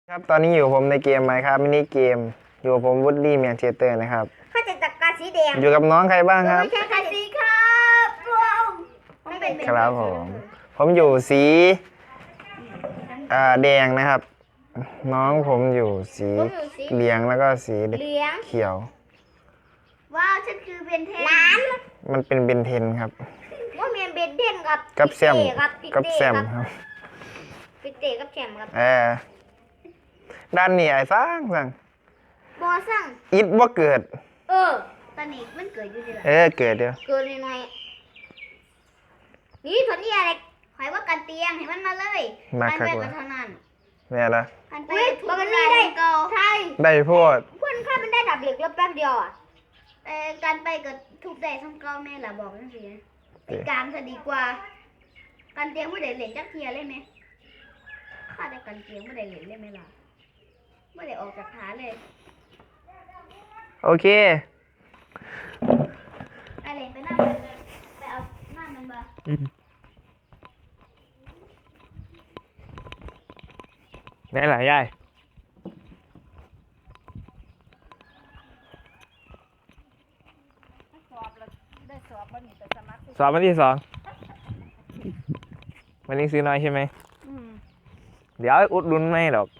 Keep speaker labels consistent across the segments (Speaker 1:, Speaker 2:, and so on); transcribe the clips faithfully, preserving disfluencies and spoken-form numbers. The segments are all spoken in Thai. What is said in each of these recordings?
Speaker 1: ครับตอนนี้อยู่ผมในเกมไหมครับมินิเกมอยู่กับผมวูดดี้แมนเชสเตอร์นะครับ
Speaker 2: ข้าจะจัดการสีแดง
Speaker 1: อยู่กับน้องใครบ้างครับ
Speaker 2: ไม่ใช่การสีครับว้าวไม่เป็น
Speaker 1: ครับผมผมอยู่สีอ่าแดงนะครับน้องผมอยู่สีเหลืองแล้วก็สี
Speaker 2: เหลือง
Speaker 1: เขียว
Speaker 2: ว้าวฉันคือเบนเทนล้าน
Speaker 1: มันเป็นเบนเทนครับ
Speaker 2: ว่าเมียนเบนเทนกับ
Speaker 1: กับแซม
Speaker 2: กับ
Speaker 1: กับแซมครับ
Speaker 2: ปิเตกับแซมครับ
Speaker 1: เออด้านนี้ไอ้สร้างสั่ง
Speaker 2: บอสั่ง
Speaker 1: อิดว่าเกิด
Speaker 2: เออตอนนี้มันเกิดอยู่ดีละ
Speaker 1: เออเกิดเดียว
Speaker 2: เกิดหน่อยนี่ผลนี่อะไรหอยว่ากันเตียงให้มันมาเลย
Speaker 1: มาครับ
Speaker 2: ว่าเท่านั้น
Speaker 1: แม่ละ
Speaker 2: กันไปทุกได้ก็ใช่
Speaker 1: ได้พูด
Speaker 2: เพื่อนข้ามันได้ดับเหล็กแล้วแป๊บเดียวอ่ะแต่การไปกับทุบได้ทั้งเก้าแม่ละบอกนั่นสิไอ้การจะดีกว่าการเตียงไม่ได้เหล็กจักเทียเลยไหมข้าได้การเตียงไม่ได้เหล็กเลยไหมล่ะไม่ได้ออกจากฐานเลย
Speaker 1: โอเค
Speaker 2: ไอเหล็กไปนั่งไปเอาหน้ามันมา
Speaker 1: นี่แหละยายสอบวันที่สองวันนี้ซื้อน้อยใช่ไหมเดี๋ยวอุดหนุนไม่หรอก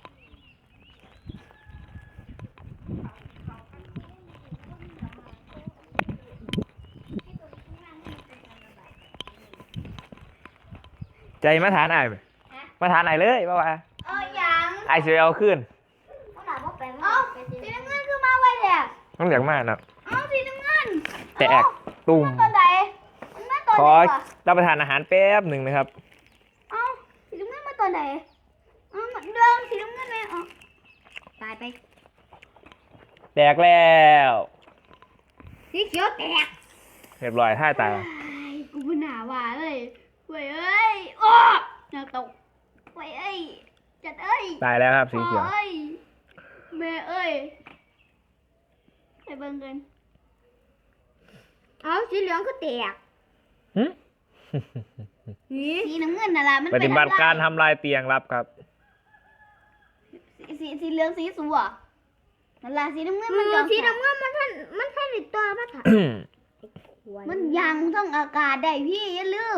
Speaker 1: ใจมาทานไอ้มาทานไอ้เลยป่าวะ
Speaker 2: เออยัง
Speaker 1: ไอ้เสียเอาขึ้น
Speaker 2: เอ้าสีน้ำเงินคือมาไวแหละ
Speaker 1: ต้องอยากมากนะ
Speaker 2: เอ้าสีน้ำเงิน
Speaker 1: แตกตุ่ม
Speaker 2: ตัวไหน
Speaker 1: ขอรับประทานอาหารแป๊บหนึ่งนะครับ
Speaker 2: เอ้าสีน้ำเงินมาตัวไหนเอ้าเหมือนเดิมสีน้ำเงินไหมอ๋อตายไป
Speaker 1: แตกแล้ว
Speaker 2: สีเขียวแตก
Speaker 1: เรียบร้อยท่าตาย
Speaker 2: กูเป็นหนาหวานเลยเว้ยเอ้ยโอ้จะตกเว้ยเอ้ยจัดเอ้ย
Speaker 1: ตายแล้วครับสีเขียว
Speaker 2: แม่เอ้ยไปเบิ่งกันเอาสีเหลืองก็แตกสีน้ำเงินน่ะล่ะมัน
Speaker 1: ปฏิบัติการทำลายเตียงรับครับ
Speaker 2: สีสีเหลืองสีสัวนั่นล่ะสีน้ำเงินมันสีน้ำเงินมันท่านมันท่านติดตัวมาถ่ายมันยังต้องอากาศได้พี่อย่าลืม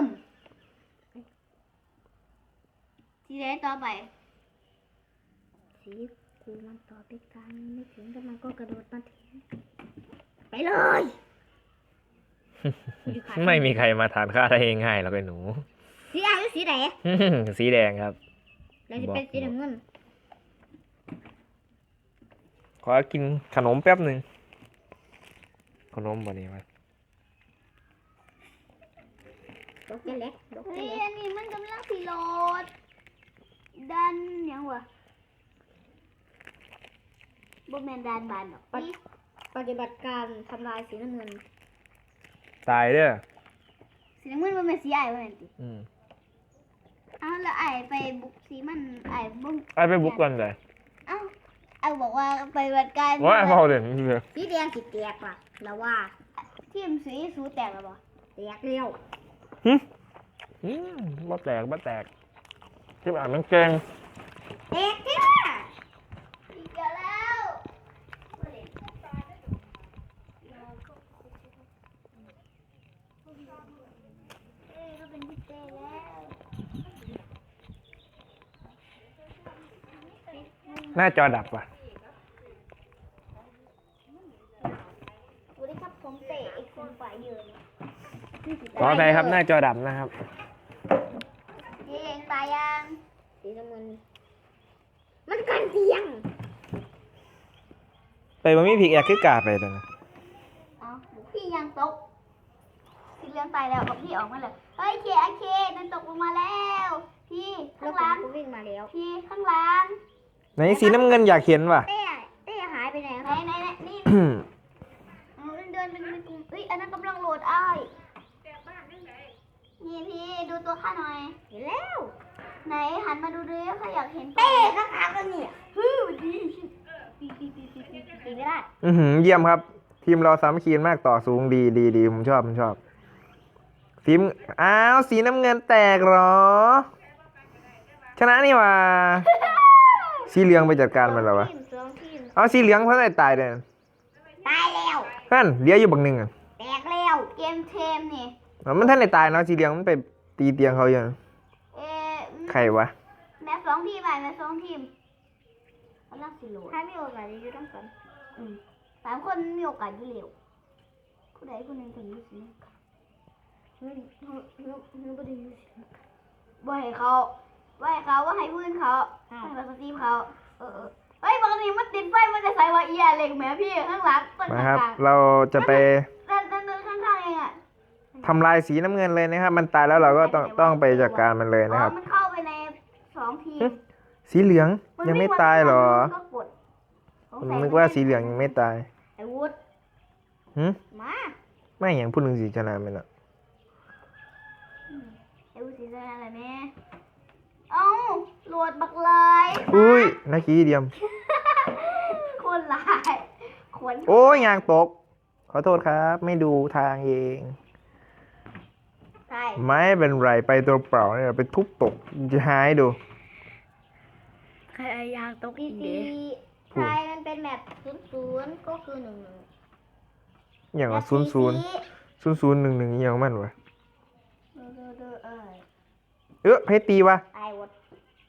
Speaker 2: สีแดงต่อไปสีกูมันต่อไปกันไม่ถึงแต่มันก็กระโดดมาถึงไปเลย
Speaker 1: ไม่มีใครมาทานข้าวได้ง่ายๆหรอกไอ้หนู
Speaker 2: สีอะไรสีไหน
Speaker 1: สีแดงครับ
Speaker 2: แล้วจะเป็นสีน้ำเงิน
Speaker 1: ขอกินขนมแป๊บหนึ่งขนมบ่นี้มา
Speaker 2: ดอกเล็กดอกเล็กอันนี้มันกำลังสีโหลดดันยังวะบ่แมนดันบานหรอกปฏิบัติการทำลายสีน้ำเงิน
Speaker 1: ตายเด้อ
Speaker 2: สีน้ำเงินมันเป็นสีไอ้บ่แม่นติ
Speaker 1: อืม
Speaker 2: อ้าวแล้วไอ้ไปบุกสีมันไอ้บุก
Speaker 1: ไอ้ไปบุกกันเลย
Speaker 2: อ้าวไอ้บอกว่าปฏิบัติการ
Speaker 1: ว่าไอ้พอเด่น
Speaker 2: สีแดงสีแตกว่ะแล้วว่าทีมสีสูแตกแล้วบ่แตกเร็ว
Speaker 1: ฮึอืมบ่แตกบ่แตกที่อ่านมันเก่ง
Speaker 2: แตกแท้อีกแล้ว
Speaker 1: หน้าจอดับว่ะ
Speaker 2: สวัสดีครับผมเตะอีกคนฝ่ายยืน
Speaker 1: ขออภัยครับหน้าจอดับนะครับ
Speaker 2: เองตายยังสีน้ำเงินมันกันเตียง
Speaker 1: ไปมันมีผิกแอกคือกาไปเลยนะ
Speaker 2: เอาพี่ยังตกสีเหลืองตายแล้วเอาพี่ออกมาเลยเฮ้ยเคเคนั่นตกลงมาแล้วพี่ข้างหลังวิ่งมาแล้วพี่ข้างหลัง
Speaker 1: ไหนสีน้ำเงินอยากเห็นว่ะ
Speaker 2: เต้เต้หายไปไหนไหนไหนนี่เดินเป็นกลุ่มเฮ้ยอันนั้นกำลังโหลดไอ้นี่พี่ดูตัวข้าหน่อยเห็นแล้วไหนหันมาดูด้วยเขาอยากเห็นเต้ข้างหลังกันเนี่ยฮึดีดีดีดีดีดีไม่ได้
Speaker 1: อือหือเยี่ยมครับทีมเราสามัคคีมากต่อสูงดีดีดีผมชอบผมชอบสีอ้าวสีน้ำเงินแตกเหรอชนะนี่ว่ะสีเหลืองไปจัดการมันแล้ววะ
Speaker 2: ทีมสองทีม
Speaker 1: เอาสีเหลืองเพราะอะไรตายเด้อ
Speaker 2: ตายแล้ว
Speaker 1: นั่นเหลืออยู่บักหนึงอ่ะ
Speaker 2: แตกแล้วเกมเทมนี่
Speaker 1: มันท่านได้ตายเนาะสีเหลืองมันไปตีเตียงเขาอยู่
Speaker 2: เอ๊ะ
Speaker 1: ใครวะ
Speaker 2: แม่สองทีมไปแม่สองทีมกำลังสิโหลดถ้ามีโอกาสจะอยู่ต้องกันอืมสามคนมีโอกาสอยู่เร็วผู้ใดคนหนึ่งถึงอยู่สิเฮ้ยเฮ้ยเฮ้ยเฮ้ยบ่ได้อยู่สิบ่ให้เขาบ่ให้เขาว่าให้พื้นเขาให้มาสตรีมเขาเออเออเฮ้ยปกติมันติดไฟมันจะใส่ว่าเอียเหล็กแหมพี่ข้างหลังต้น
Speaker 1: มา
Speaker 2: ข้าง
Speaker 1: ครับ
Speaker 2: กลาง
Speaker 1: เราจะไป
Speaker 2: เดินเดินเดินข้างๆเองอ่ะ
Speaker 1: ทำลายสีน้ำเงินเลยนะครับ มันตายแล้วเราก็ต้องต้องไปจัดการมันเลยนะครับ
Speaker 2: อ๋อมันเข้าไปในสองทีม
Speaker 1: สีเหลืองยังไม่ตายเหรอ
Speaker 2: มันก็กดสง
Speaker 1: ผม
Speaker 2: สัย
Speaker 1: นึกว่าสีเหลืองยังไม่ตาย
Speaker 2: ไอ้วุฒ
Speaker 1: หึ
Speaker 2: มา
Speaker 1: ไม่อย่างพูดถึงสีชนะมันอ่ะ
Speaker 2: ไอ้วุฒสีชนะอะไรแม่เอ้าโหลดบักเลย
Speaker 1: อุ้ยนักกี้เดียม
Speaker 2: คนลายขน
Speaker 1: โอ้ยยางตก ขอโทษครับ ไม่ดูทางเอง
Speaker 2: ใช่
Speaker 1: ไม่เป็นไรไปตัวเปล่าเนี่ยไปทุบตกจะหายดู
Speaker 2: ใครยางตกอีกดีใช่มันเป็นแบบศูนย์ศูนย์ก็คือหนึ่งหนึ่ง
Speaker 1: อย่างศูนย์ศูนย์ศูนย์ศูนย์หนึ่งหนึ่งอย่างมันวะ
Speaker 2: เด้อเด้อเอ้ย
Speaker 1: เออเพชรตีวะ
Speaker 2: ไอวด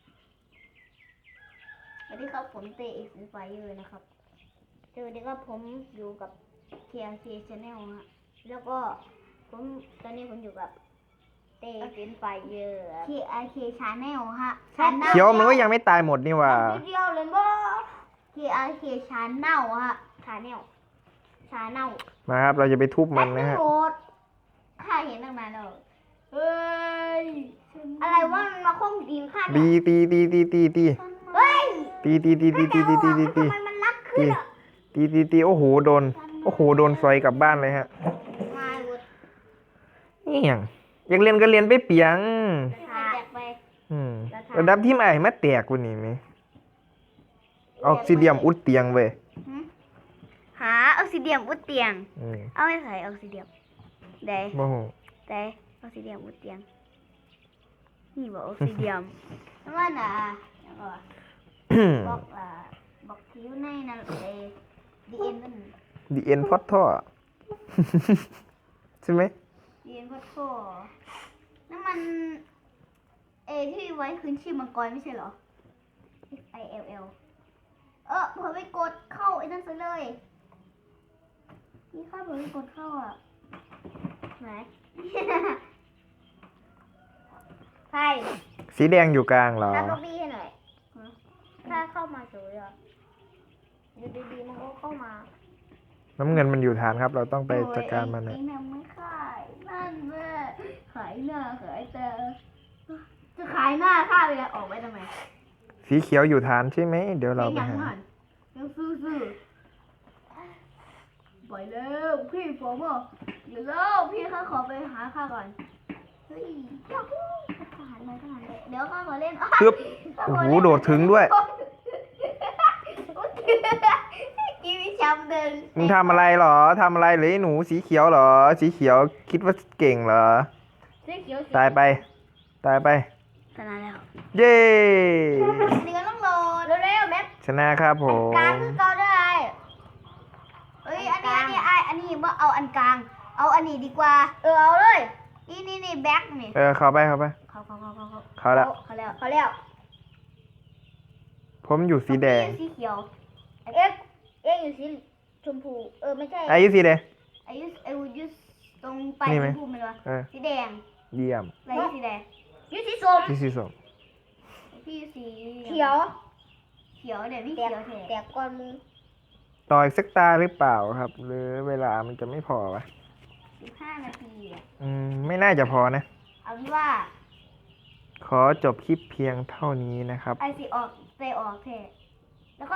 Speaker 2: สวัสดีครับผมเตเอ็กซ์ไฟเออร์นะครับสวัสดีครับผมอยู่กับ เค อาร์ เค Channel ฮะแล้วก็ผมตอนนี้ผมอยู่กับเตเอ็กซ์ไฟเออร์ เค อาร์ เค Channel ฮะ
Speaker 1: เขียวมันก็ยังไม่ตายหมดนี่หว่า
Speaker 2: นิดเดียวเลยบ่ เค อาร์ เค Channel ฮะ Channel Channel
Speaker 1: มาครับ เราจะไปทุบมันนะฮะ
Speaker 2: โหลดข้าเห็นตั้งนานแล้วเฮ้ยอะไรว่ามันมาคงดินข้า
Speaker 1: ตี
Speaker 2: เนี่ย
Speaker 1: ตีตีตีตีตี
Speaker 2: เฮ้ย
Speaker 1: ตีตีตีตีตีตีตีตีตี
Speaker 2: ทำไมมันรักขึ้นอ่ะ
Speaker 1: ตีตีตีโอ้โหโดน โอ้โหโดนซอยกลับบ้านเลยฮะ
Speaker 2: มาวุฒ
Speaker 1: นี่อย่างอยากเรียนก็เรียนไปเปียง
Speaker 2: แตกไป
Speaker 1: อืมระดับที่ใหม่มาแตกกว่านี้ไหมออกซิเดียมอุดเตียงเว้ย
Speaker 2: หาออกซิเดียมอุดเตียง
Speaker 1: อืม
Speaker 2: เอาไม่ใส่ออกซิเดียมได้
Speaker 1: โมโห
Speaker 2: ได้ออกซิเดียมอุดเตียง นี่บอกออกซิเดียมนั่นว่าน่ะแล้วก็บอกอ่าบอกคิ้วในนั่นเอดีเอ็นนั่น
Speaker 1: ดีเอ็นพอดท่อ ใช่ไหม
Speaker 2: ดีเอ็นพัดโซ่นั่นมันเอที่ไว้คืนชีพมังกรไม่ใช่เหรอ X I L L เออเผื่อไปกดเข้าไอ้นั่นซะเลยนี่ข้าเผื่อไปกดเข้าอ่ะไหน ใช่
Speaker 1: สีแดงอยู่กลางเหรอ
Speaker 2: ถ้าล็อบบี้ให้หน่อยถ้าเข้ามาสวยอ่ะอยู่ดีๆมันก็เข้ามา
Speaker 1: น้ำเงินมันอยู่ฐานครับ เราต้องไปจัดการมัน
Speaker 2: เอ
Speaker 1: นะ
Speaker 2: งทำไม่ขายนั่นแม่ขายหน้าขายตาจะขายหน้าข้าไปแล้วออกไปทำไม
Speaker 1: สีเขียวอยู่ฐานใช่ไหม เดี๋ยวเราไป
Speaker 2: ยัง
Speaker 1: หา
Speaker 2: หันยังซื่อๆปล่อยแล้วพี่ผมอ่ะอยู่แล้วพี่ข้าขอไปหาข้าก่อนเฮ้ยยาฮูทหารมาทหารเลยเดี๋ยวข้าขอเล่น
Speaker 1: ปึ๊บ โอ้โหโดดถึงด้วย
Speaker 2: กีวิชำเดิน
Speaker 1: มึงทำอะไรเหรอทำอะไรหรือไอ้หนูสีเขียวเหรอ สีเขียวคิดว่าเก่งเหรอ
Speaker 2: สีเขียวสี
Speaker 1: ตายไป ตายไป
Speaker 2: ชนะแล้ว
Speaker 1: เย้
Speaker 2: เดี๋ยวต้องโหลดเร็วๆแม็ก
Speaker 1: ชนะครับผ
Speaker 2: กลาง
Speaker 1: ม
Speaker 2: คือเกาได้เอ้ยอันนี้อันนี้ไออันนี้ว่าเอาอันกลาง เอาอันนี้ดีกว่า เออเอาเลยนี่นี่นี่แบ็คนี่
Speaker 1: เออ เข้าไปเข้าไป
Speaker 2: เขาเขาเขาเขาเขา
Speaker 1: เข้าแล้ว
Speaker 2: เขาแล้วเขาแล้ว
Speaker 1: ผมอยู่สีแดง
Speaker 2: สีเขียวเอ็กเอ็กอยู่สีชมพูเออไม่ใช่
Speaker 1: ไอ้สีแดง
Speaker 2: อายุอายุยุตรงไป
Speaker 1: นี่
Speaker 2: ช
Speaker 1: ไหม
Speaker 2: มพูมันวะ
Speaker 1: เออ
Speaker 2: สีแดง
Speaker 1: เยี่ยม
Speaker 2: อะไรสีแดงยุสีส้ม
Speaker 1: ที่สีส้ม
Speaker 2: พี่สีเขียว เขียวเดี๋ยวพี่เขียวแทแตกก้อนมือ
Speaker 1: ต่ออีกสักตาหรือเปล่าครับ หรือเวลามันจะไม่พอวะ
Speaker 2: สิบห้านาทีอะ
Speaker 1: อืม ไม่น่าจะพอนะ
Speaker 2: เอาเป็นว่า
Speaker 1: ขอจบคลิปเพียงเท่านี้นะครับ
Speaker 2: ไอซีออกเตออกเท